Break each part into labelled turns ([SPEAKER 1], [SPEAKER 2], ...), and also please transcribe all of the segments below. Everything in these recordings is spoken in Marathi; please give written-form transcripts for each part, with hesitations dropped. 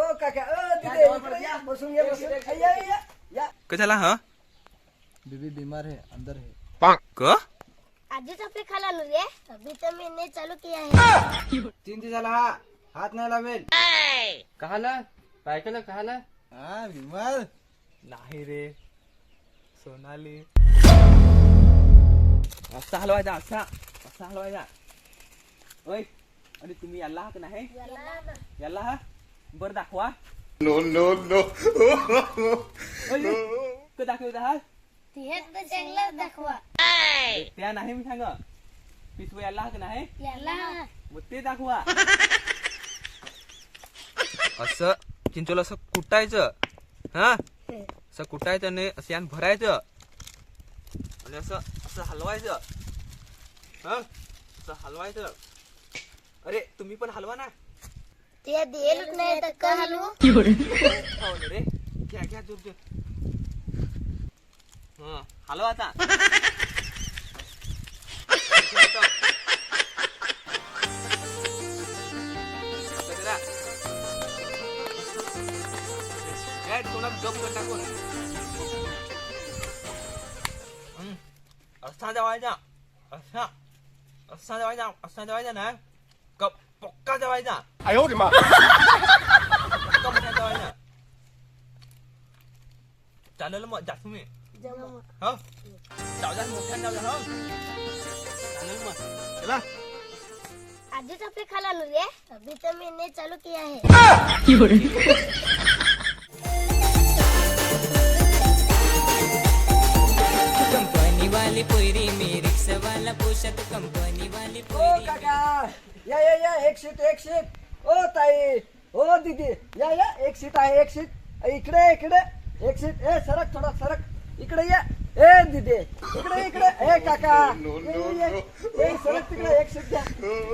[SPEAKER 1] ओ काका तिथे इकडे या, बसून घ्या बसून या.
[SPEAKER 2] कशाला हा
[SPEAKER 1] बीबी बीमार है अंदर है.
[SPEAKER 2] क
[SPEAKER 3] आजच आपले खाला रे अभी तो मैंने चालू किया है
[SPEAKER 1] 3 दिवसाला हात नाही लावेल.
[SPEAKER 2] कहाला बायकाला कहाला
[SPEAKER 1] हा बीमार
[SPEAKER 2] नाही रे सोनाली असा हलवायचा असा हलवायचा. ओय आणि तुम्ही याला हा का नाही याला हा बर दाखवा.
[SPEAKER 4] No, no, no.
[SPEAKER 2] क दाखवता हा
[SPEAKER 3] हे तर चांगला दाखवा
[SPEAKER 2] त्या नाही मी सांग पिसव याला हा का नाही
[SPEAKER 3] याला
[SPEAKER 2] मग ते दाखवा. असं चिंचोला असं कुटायचं हा असं कुटायचं आणि असं यान भरायचं आणि असं असं हलवायचं हा असं हलवायचं. अरे तुम्ही पण हलवा ना.
[SPEAKER 3] ते देल नाही तर का हलवू
[SPEAKER 2] हो ना रे घ्या घ्या जोर जोर. हा हलवा आता. टाकून असा जेवायचा असा असा जेवायचा ना पक्का जेवायचा.
[SPEAKER 4] 哎呦我的妈！
[SPEAKER 2] पक्का मोठा जेवायचा. चालेल मग जास्त मी हो जाऊ द्या मोठ्या जाऊ द्या हो चालेल मग चला.
[SPEAKER 3] आजच आपले खाला रे अभी तो मैंने चालू किया है
[SPEAKER 5] कंपनी वाली पोरी मी रिक्षा वाला पोशाख कंपनी वाली
[SPEAKER 1] ओ
[SPEAKER 5] पोरी
[SPEAKER 1] काका या एक सीट ओ ताई ओ दीदी या एक सीट आहे एक सीट. इकडे एक सीट. ए सरक थोडा सरक इकडे या. ए दीदी इकडे ए काका ए सरक तिकडे एक सीट घ्या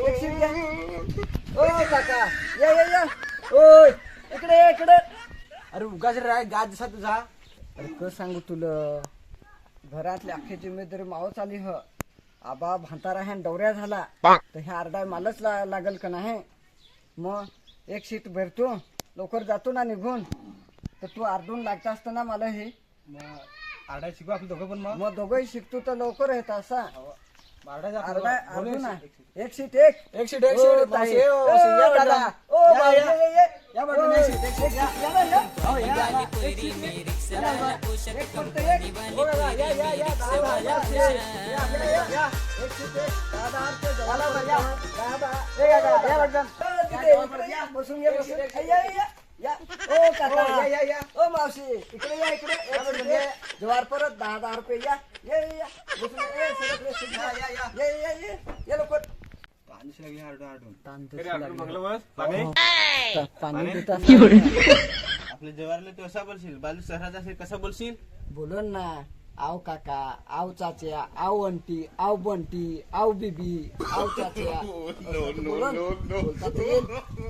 [SPEAKER 1] ओ काका या ओय इकडे. अरे उगाच राय गाज दिसा तुझा. अरे क सांगू तुला घरातली अख्खी जिम्मेदारी मावच आली ह. आबा भांतारा ह्या दौऱ्या झाला तर ह्या अर्धा मालच लागल का नाही. मग एक सीट भरतो लवकर जातो ना निघून तर तू अर्धून लागता असताना मला हे
[SPEAKER 6] आरडा शिकू आपलं दोघं पण
[SPEAKER 1] मग दोघंही शिकतो तर लवकर येत असा अर्धा अर्धून एक सीट
[SPEAKER 6] एक सीट
[SPEAKER 1] ताई.
[SPEAKER 6] या दादा
[SPEAKER 1] ओ बाई, ये.
[SPEAKER 6] या बाजूने एक सीट, एक सीट या.
[SPEAKER 5] वाली पोरी मी रिक्षा वाला पोशाख
[SPEAKER 1] एक फक्त
[SPEAKER 5] कंपनी
[SPEAKER 1] एक.
[SPEAKER 5] वाली
[SPEAKER 1] ओ दादा,
[SPEAKER 5] पोरी
[SPEAKER 1] या,
[SPEAKER 5] मी रिक्षा
[SPEAKER 1] दादा,
[SPEAKER 5] वाला
[SPEAKER 1] या.
[SPEAKER 5] पोशाख
[SPEAKER 1] एक सीट एक. दादा, आमच्या जवळ
[SPEAKER 6] दादा, या.
[SPEAKER 1] दादा.
[SPEAKER 6] ए काका, या बघ.
[SPEAKER 1] तिथे इकडे या, बसून घ्या बसून. या. ओ काका
[SPEAKER 6] या.
[SPEAKER 1] ओ मावशी इकडे या इकडे. एक सीट ये. जवार परत 10 रुपये या. ये बसून सरक रे सीट. ये लवकर.
[SPEAKER 6] पाणी शिवाय हारडून
[SPEAKER 1] तांदूळ
[SPEAKER 6] पाणी
[SPEAKER 1] पाणी देत
[SPEAKER 6] आपल्या जवारला तू असा बोलशील बालू शहरात असेल कसा बोलशील.
[SPEAKER 1] बोलन ना. आव काका आव चाच्या आव अंटी आव बंटी आव बीबी आव चाच्या बोलन. बोलता तर येईल.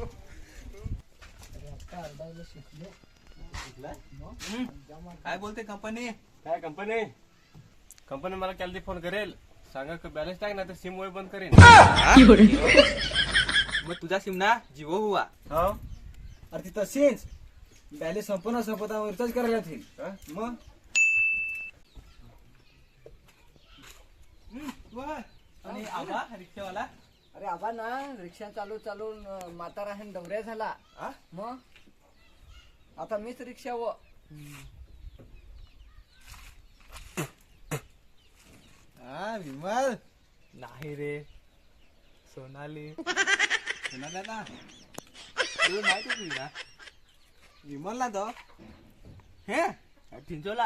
[SPEAKER 2] काय बोलते कंपनी.
[SPEAKER 6] काय कंपनी मला कॅलरी फोन करेल सांगा बॅलन्स टाक ना तर सिम वय बंद करेन.
[SPEAKER 2] मग तुझा सिम ना जिओ हुआ.
[SPEAKER 6] हो अरे ती तशीच बॅलन्स संपता रिचार्ज करायला येतील मग
[SPEAKER 2] आणि आबा रिक्षावाला
[SPEAKER 1] अरे आबा ना रिक्षा चालून म्हातारा ह्या दौऱ्या झाला. मग आता मीच रिक्षा व
[SPEAKER 6] विमल
[SPEAKER 2] नाही रे सोनाली
[SPEAKER 6] दादा
[SPEAKER 2] तुला माहिती तुझी ना
[SPEAKER 6] विमलला तो
[SPEAKER 2] हे चिंचोला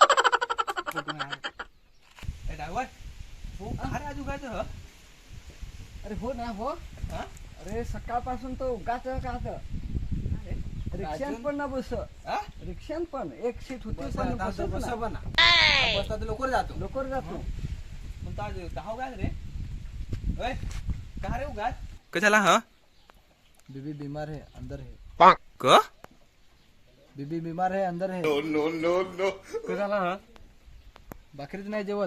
[SPEAKER 2] डायवर हो अरे आज उगाच ह
[SPEAKER 1] अरे हो ना हो.
[SPEAKER 2] हा?
[SPEAKER 1] अरे सकाळपासून तो उगाच काच रिक्षान पण ना बस
[SPEAKER 2] हा?
[SPEAKER 1] रिक्षान पण एक सीट होती पण
[SPEAKER 6] बसता
[SPEAKER 1] बसत ना.
[SPEAKER 6] पण बसता तर लवकर जातो.
[SPEAKER 1] लवकर जातो.
[SPEAKER 2] मग आज कहा उगाच रे ओय कहा रे उगाच कशाला हा
[SPEAKER 1] बीबी बीमार है अंदर है.
[SPEAKER 2] क
[SPEAKER 1] बीबी बीमार है अंदर है.
[SPEAKER 4] No, no, no, no.
[SPEAKER 6] कशाला हा
[SPEAKER 1] भाकरीच नाही जेवत.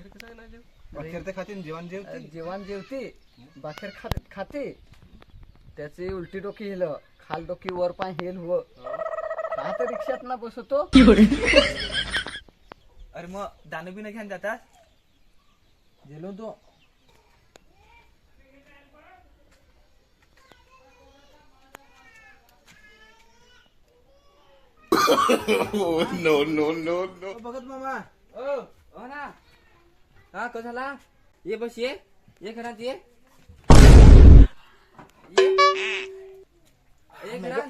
[SPEAKER 6] भाकर ते खातील जेवण जेवते
[SPEAKER 1] जेवण जेवते भाकर खाते त्याची उलटी डोकी हेल खाल डोकी वर पाय हेल हो का तर रिक्षात ना बसवतो
[SPEAKER 2] अरे मग दानू बी घेऊन जातात
[SPEAKER 1] गेलो तो
[SPEAKER 4] Oh, no, no, no, no.
[SPEAKER 1] बघत मामा
[SPEAKER 2] हो ना हा कसं झाला ये बस ये घरात ये घरात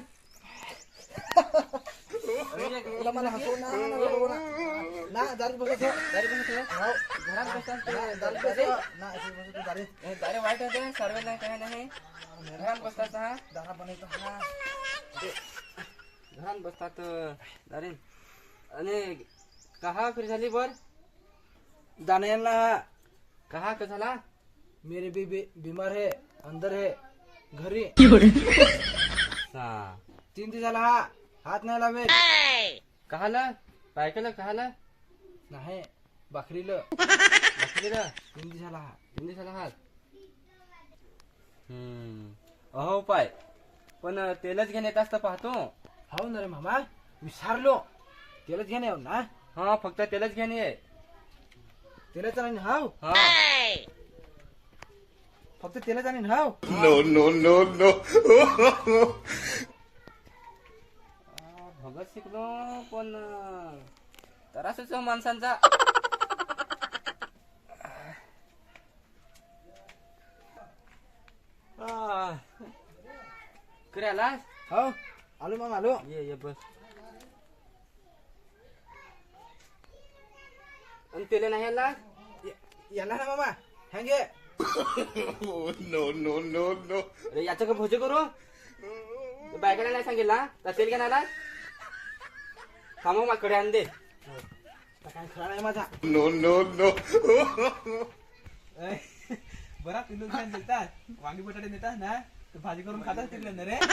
[SPEAKER 1] तुला मला हसवू ना बघू ना दारू बघत हो. हो.
[SPEAKER 2] घरात बसतात ते
[SPEAKER 1] दारू बघत ना अशी बघत दारू
[SPEAKER 2] दारे वाईट होते सर्व नाही काय नाही घरात बसतात हा
[SPEAKER 1] दारा बनवतो हा
[SPEAKER 2] घरात बसतात दारे आणि कहा फिर झाली बर
[SPEAKER 1] जाने ना
[SPEAKER 2] कहा का झाला
[SPEAKER 1] मेरे भी बीमार है अंदर है घरी
[SPEAKER 2] हा
[SPEAKER 1] 3 दिवस झाला हा हात नाही लावे
[SPEAKER 2] कहाला बायकाला कहाला
[SPEAKER 1] नाही बकरीला
[SPEAKER 2] बसलेला
[SPEAKER 1] 3 दिवस झाला हा
[SPEAKER 2] हिंदी झाला हात अहो पाय पण तेलच घेऊन येत असतं पाहतो
[SPEAKER 1] हो ना रे मामा विसरलो तेलच घेणे ना
[SPEAKER 2] हा फक्त तेलच घेऊन ये
[SPEAKER 1] तेलाचा नाही हाव
[SPEAKER 2] हा
[SPEAKER 1] फक्त तेलाचा नाही हाव
[SPEAKER 4] No, no, no, no.
[SPEAKER 2] Bhagat शिकलो पण तरासच माणसांचा करे आलास
[SPEAKER 1] हो आलो मामा आलो
[SPEAKER 2] ये बस आणि तेले नाही आलास
[SPEAKER 1] याला ना मामा हँगे
[SPEAKER 4] Oh, no, no, no, no.
[SPEAKER 2] अरे याचं का भोजे करू बायकाला नाही सांगितला तर तेल घ्या आलास थांबव माझ्याकडे आण दे
[SPEAKER 1] काय खरा नाही माझा
[SPEAKER 4] No, no, no.
[SPEAKER 2] बरा पिलू खान देतात वांगी बटाटे देतात ना तर भाजी करून खातात तिकडे ना रे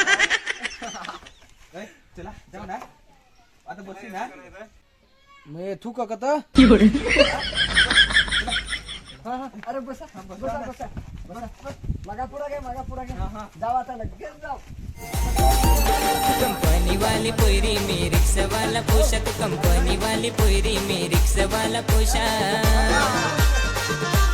[SPEAKER 2] चला जाऊ ना आता बसली ना
[SPEAKER 1] मी थू का कत अरे बसा बसा बसा बसा मागा पुढा घे जाऊ आता लगेच जाऊ
[SPEAKER 5] कंपनी वाली पोरी में रिक्शा वाला पोशाख कंपनी वाली पोरी में रिक्शा वाला पोशाख